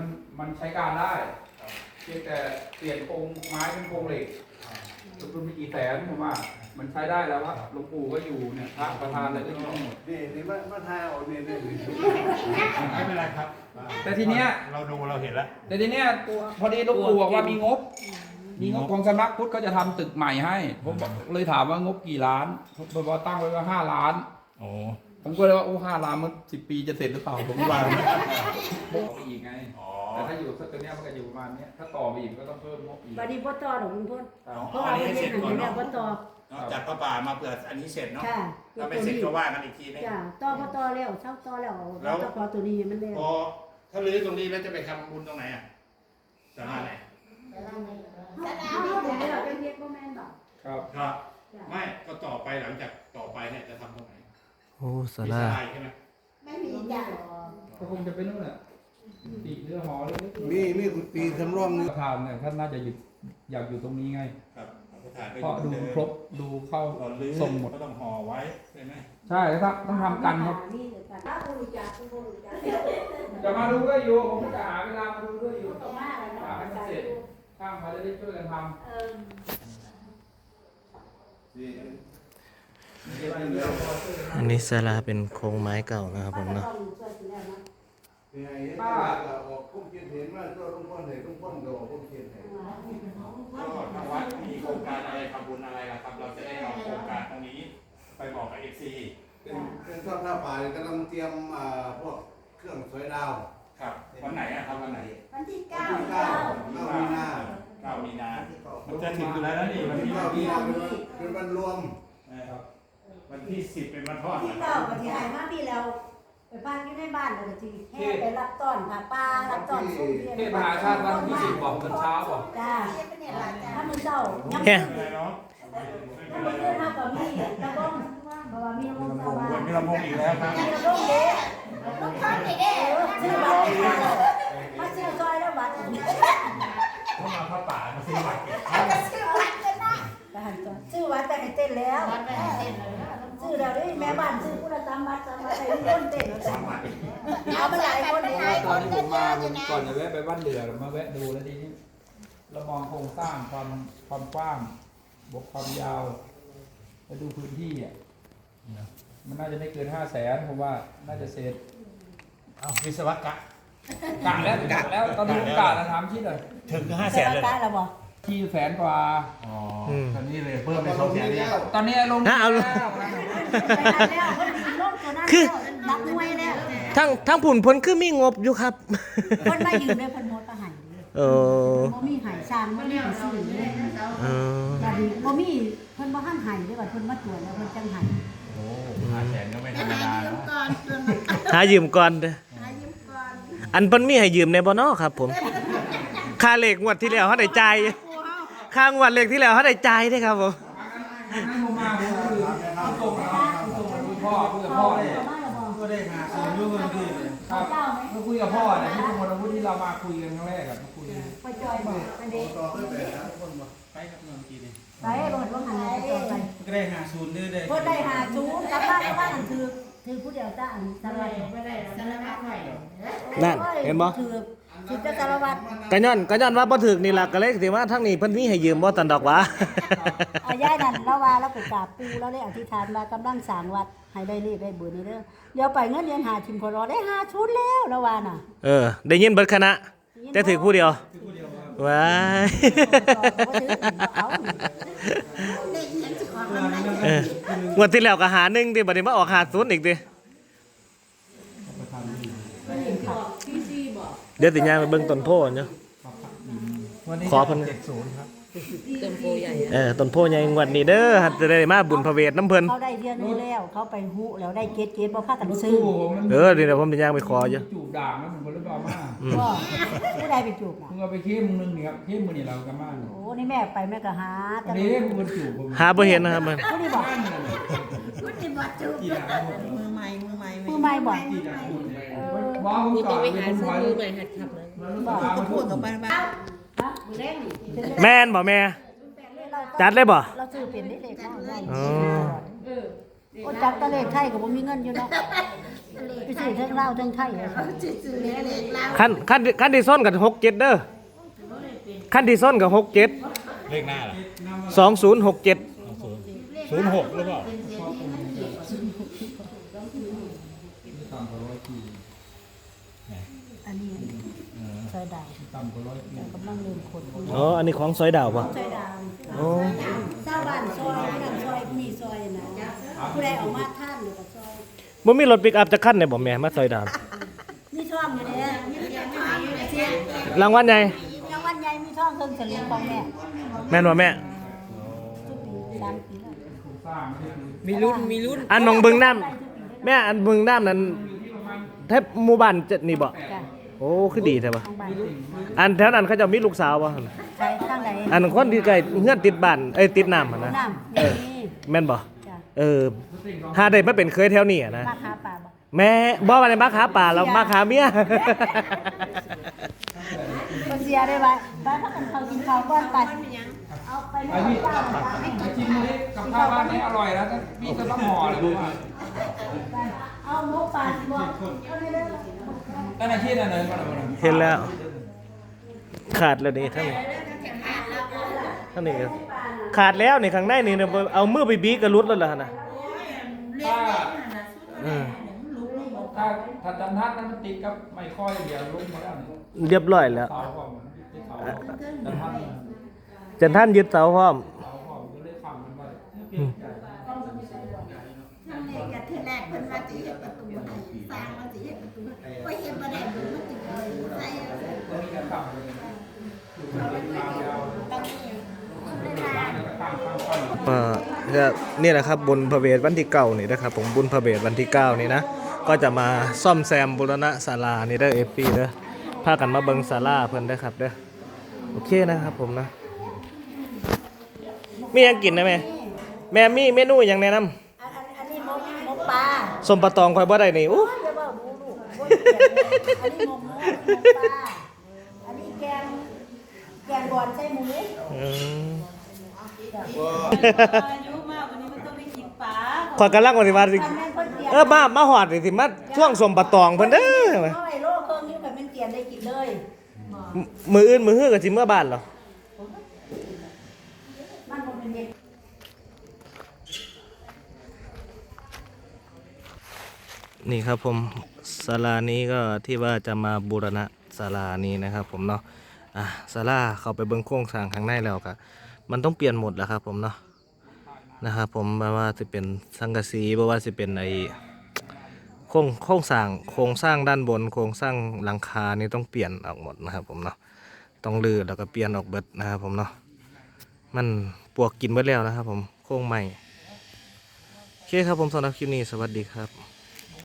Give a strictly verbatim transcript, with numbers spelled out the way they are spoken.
มันมันใช้การได้เพียงแต่เปลี่ยนโครงไม้เป็นโครงเหล็กลงทุนไปกี่แสนผมว่ามันใช้ได้แล้วว่าหลวงปู่ก็อยู่เนี่ยพระประธานอะไรก็อยู่ทั้งหมดนี่นี่มามาทายเอาเนี่ยเนี่ยไม่เป็นไรครับแต่ทีเนี้ยเราดูเราเห็นแล้วแต่ทีเนี้ยพอดีหลวงปู่บอกว่ามีงบ มีงบของสำนักพุทธก็จะทำตึกใหม่ให้ผมเลยถามว่างบกี่ล้านผมบอกตั้งไว้ว่าห้าล้านโอ้ผมก็เลยว่าโอ้ห้าล้านมันสิบปีจะเสร็จหรือเปล่าผมก็ว่าบอกไปอีกไงอ๋อแต่ถ้าอยู่สักตัวเนี้ยมันก็อยู่ประมาณเนี้ยถ้าต่อไปอีกก็ต้องเพิ่มงบอีกบัดนี้พ่อต่อดอกคุณพ่นเอาเพราะว่าประเทศหันแล้วพ่อต่อจากพระป่ามาเผื่ออันนี้เสร็จเนาะค่ะถ้าไม่เสร็จก็ว่ากันอีกทีนึงจ้าต่อพ่อต่อแล้วเช่าต่อแล้วเราต้องขอตัวนี้มันแล้วพอถ้าลื้อตรงนี้แล้วจะไปทำบุญตรงไหนอ่ะศาลาไหนเอาเดี๋ยวเราเป็นเรียกพ่อแม่บอกครับก็ไม่ก็ต่อไปหลังจากต่อไปเนี่ยจะทำตรงไหนโอ้สามีราศาลาใช่ไหมไม่มีจ้าก็คงจะเป็นนู่นแหละตีเรือหอเลยมีมีกุฏิสำรองนึงประธานเนี่ยท่านน่าจะอยู่อยากอยู่ตรงนี้ไงครับพระฐานก็อเพราะยู่ดูเดิมครบดูเข้าตอนลื้อทรงหมดก็ต้องห่อไว้ใช่ไหมใช่แล้วครับต้องทำกันครับนี่เดี๋ยวกันถ้าคุณจ้าคุณพ่นจ้าจะมาดูด้วยอยู่ผมจะหาเวลามาดูด้วยอยู่ต่อมาแล้วหาให้มันเสร็จช่างเขาจะได้ช่วยกันทำเออนี่อันนี้ศาลาเป็นโครงไม้เก่านะครับผมเนาะนี่ไอ้ป้าออกคุ้มเกียรติเห็นว่าตัวลุงพ่อเห็นลุงพ่อก็ออกคุ้มเกียรติเห็นก็ทางวัดมีโครงการอะไรทำบุญอะไรล่ะครับ เราจะได้เอาโครงการตรงนี้ไปบอกกับเอฟซีเป็นเป็นทอดผ้าป่ากำลังเตรียมอ่าพวกเครื่องสวยดาวครับวันไหนอะครับวันไหนวันที่วันเก้าที่เก้าเก้ามีนาเก้ามีนามันจะถึงอยู่แล้วนะนี่วันที่เก้ามีนาเป็นวันรวมนะครับวันที่สิบเป็นวันทอดที่นะคเก้ารับก็ที่หายมาปีแล้วไปพักอยู่ในบ้านแล้วก็ที่แห่ไปรับต้อนค่ะป้ารับต้อนสู้เรียนเทศมหาชาติวันที่สิบบอกตอนเช้าบอกจ้าถ้ามือเจ้ายังแค่ไม่เป็นไรเนาะถ้ามือเจ้าเท่ากับมีตะบ้งเพราะว่ามีน้องชาวบ้านวันมีลำโพงอีกแล้วครับมีน้องเด็กน้องชายเด็กชื่อบัตรมาชื่อซอยแล้วบัตรเข้ามาพระป่ามาซื้อบัตรเก็บชื่อวัดกันนะชื่อวัดแต่ให้เต้นแล้วชื่อเราดิแม่บ้านชื่อผู้ละสามบัตรสามบัตรให้คนเต้นเอามาหลายคนเลยตอนที่ผมมาผมก่อนจะแวะไปบ้านเหลือมาแวะดูแล้วทีนี้เรามองโครงสร้างความความกว้างบวกความยาวแล้วดูพื้นที่อ่ะมันน่าจะไม่เกินห้าแสนผมว่าน่าจะเสร็จเอาวิศวกะกะแล้วกะแล้วตอนนี้ผมกะนะถามชิดเลยถึงห้าแสนเลยได้แล้วบ่ที่แสนกว่าอ๋ออืมตอนนี้เลยเพิ่มเป็นสองแสนเนี่ยตอนนี้ลงอ่ะเอาแล้วไปแล้วคนดีโลกตัวนั้นนับมวยแล้วทั้งทั้งผุนพ้นคือมีงบอยู่ครับคนมายืมเลยคนโมดก็หายเลยเออบ่มีหายชานบ่มีหายซื่อเลยเออบัดนี้บ่มีเพิ่นบ่ทันหายเด้อบัดเพิ่นมาตรวจแล้วเพิ่นจังหายโอ้ห้าแสนก็ไม่ธรรมดาเนาะหายืมก่อนเด้ออันเพิ่นมีให้ยืมในบ่เนาะครับ ผม ค่าเลขงวดที่แล้วเฮาได้จ่ายค่างวดเลขที่แล้วเฮาได้จ่ายเด้อครับผมงั้นผมมาผมคือเอาส่งเอาส่งมาคุยพ่อคุยกับพ่อเนี่ยก็ได้หาส่วนยุ่งกันที่ครับมาคุยกับพ่อเนี่ยที่สมุทรพุทธที่เรามาคุยกันครั้งแรกอะมาคุยไปจอยบ่อันนี้ต่อขึ้นไปนะคนบ่ไปกับเงินกี่ดิไปรถว่าหันไปจอยไปก็ได้หาศูนย์เด้อเด้เพิ่นได้หาจูกลับบ้านกลับบ้านนั่นคือคือผู้เดียวจ้าอันสารวัตรบ่ได้สารวัตรไว้นั่นเห็นบ่คือคือจะสารวัตรก็ย้อนก็ย้อนว่าบ่ถึกนี่ล่ะก็เลยสิว่าทางนี้เพิ่นมีให้ยืมบ่ตันดอกหวะอายายนั่นแล้วว่าเราไปกราบปู่แล้วได้อธิษฐานว่ากำลังสร้างวัดให้ได้เลขได้เบอร์นี้เด้อเดี๋ยวไปเงินเดือนหาทิมพอรอได้ห้าชุดแล้วแล้วว่าน่ะเออ ได้ยินเบิดคณะ แต่ถือผู้เดียวว้ายเอาเอองวดที่แล้วก็หาหนึ่งดิบัดนี้มาออกหาศูนย์อีกดิเดี๋ยวติย่างไปเบิ่งต้นโพธิ์เนาะขอเพิ่นเจ็ดศูนย์ครับเออต้นโพธิ์ใหญ่งวดนี้เด้อจะได้มาบุญพระเวทน้ำเพิ่นเขาได้เดือนนึงแล้วเขาไปฮู้แล้วได้เกตเกตบ่พากันซื้อตู้ผมมันเออเดี๋ยวผมจะย่างไปขออยู่จูบด่างนะผมก็เลยบอกมาก็ผู้ใดไปจูบน่ะมึงเอาไปเข้มมึงนึงนี่ครับเข้มมือนี่เรากันมาโอ้นี่แม่ไปแม่ก็หาอันนี้มึงจูบผมหาบ่เห็นนะครับมันผู้นี่บอกกี่ด่างมือใหม่มือใหม่ผู้ไม่บอกกี่ด่างคุณมองผมก่อนเป็นคนถอยมือใหม่หัดขับเลยบอกก็พูดกับบ้านบ้านฮะมือแรกนี่แม่นบ่แม่ จัดเลยบ่เราซื้อเป็นได้เลขเนาะอ๋อโอ้จับตะเลขไทยก็บ่มีเงินอยู่เนาะไปซื้อเทั้งลาวเทั้งไทยอะขั้นขั้นขั้นที่ส้นกับหกเจ็ดเด้อขั้นที่ส้นกับหกเจ็ดเลขหน้าล่ะสองศูนย์หกเจ็ดศูนย์หกหรือเปล่าต่ำกว่าร้อยปีอันนี้ซอยดาวต่ำกว่าร้อยปีกำลังเริ่มคนอ๋ออันนี้ของซอยดาวป่ะซอยดาวโอ้ชาวบ้านซอยนั่นซอยนี่ซอยนะผู้ใดออกมาท่านหรือก็ซอยบ่มีรถปิกอัพจะขั้นเนี่ยบ่แม่มาซอยดาวมีช่องอยู่เด้มีเสียงมีเสียงรางวัลใหญ่รางวัลใหญ่มีช่องเพิ่งเฉลียงของแม่แม่นบ่แม่ทุกปีสามปีแล้วโครงสร้างไม่ได้คือมีรุ่นมีรุ่นอันหนองบึงน้ำแม่อันบึงน้ำนั้นแทบหมู่บ้านจะนี่บ่จ้ะโอ้คือดีแท้บ่ทางบ้านอันแถวนั้นเขาเจะมีลูกสาวบ่หั่นใช้ทางไหนอันคนที่ใกล้เฮือนติดบ้านเอ้ยติดน้ำหั่นนะน้ำนี่แม่นบ่จ้ะเออหาได้มาเป็นเคยแถวนี้อะนะราคาป่าบ่แม่บ่ว่าได้มาขาป่าแล้วมาขาเมียบ่เสียได้ไว้ไปพักกันข้าวกินข้าวก่อนไปเอาไปไอ้พี่ไอ้ชิ้นนี้กับข้าวบ้านนี้อร่อยแล้วนะพี่ก็ต้องห่อเลยผมว่าเอาหมูป่าสิบ่เอาได้เลยตั้งแต่ที่นั่นเลยมาแล้วเห็นแล้ว ขาดแล้วนี่ท่านนี่ท่านนี่ก็ขาดแล้วนี่ข้างในนี่เนี่ยเอามือไปบีกระลุดแล้วล่ะนะถ้าเออถ้าถ้าจันทัดนั้นมันติดกับไม่ค่อยเดี๋ยวลุกมาแล้วนี่เรียบร้อยแล้วเสาของมันที่เสาจันทัดจันท่านยึดเสาพร้อมเสาของก็เลยฟังมันไปนั่นเองกับที่แรกเพิ่นว่าสิเฮ็ดประตูให้สร้างว่าสิเฮ็ดประตูให้บ่เฮ็ดบ่ได้เพิ่นมันสิใส่ก็มีการตั้งเลยอยู่เป็นทางยาวตรงนี้ได้ลาแล้วก็ตั้งตั้งตั้งเอ่อก็นี่แหละครับบุญพระเวทวันที่เก้านี่นะครับผมบุญพระเวทวันที่เก้านี่นะก็จะมาซ่อมแซมบูรณะศาลานี่เด้อเอฟซีเด้อพากันมาเบิ่งศาลาเพิ่นเด้อครับเด้อโอเคนะครับผมนะมีหยังกินนะแม่แม่มีเมนูหยังแนะนำอันอันอันนี้หมูหมูปลาสมปะตองข่อยบ่ได้นี่อู้โอ้ยอย่าเว้าดูลูกโอ้ยเกลียดเลยอันนี้หมูหมูหมูปลาอันนี้แกงแกงบอนใส่หมูอืมอายุมากวันนี้มันต้องไปกินปลาข่อยกำลังว่าสิว่าสิคันแม่นเพิ่นเตรียมเออมามาฮอดนี่สิมาช่วงสมปะตองเพิ่นเด้อเอาไว้โลเครื่องนี้แบบมันเตรียมได้กินเลยมืออื่นมือฮื้อก็สิเมื่อบ้านเหรอมันบ่เป็นเด็กนี่ครับผมศาลานี้ก็ที่ว่าจะมาบูรณะศาลานี้นะครับผมเนาะอ่ะศาลาเข้าไปเบิ่งโครงสร้างข้างในแล้วก็มันต้องเปลี่ยนหมดแล้วครับผมเนาะนะครับผมไม่ว่าจะเป็นสังกะสีไม่ว่าจะเป็นไอโครงโครงสร้างโครงสร้างด้านบน โครงสร้างหลังคานี่ต้องเปลี่ยนออกหมดนะครับผมเนาะต้องรื้อแล้วก็เปลี่ยนออกเบิดนะครับผมเนาะมันปวกกินเบิดแล้วนะครับผมโครงใหม่โอเคครับผมสำหรับคลิปนี้สวัสดีครับ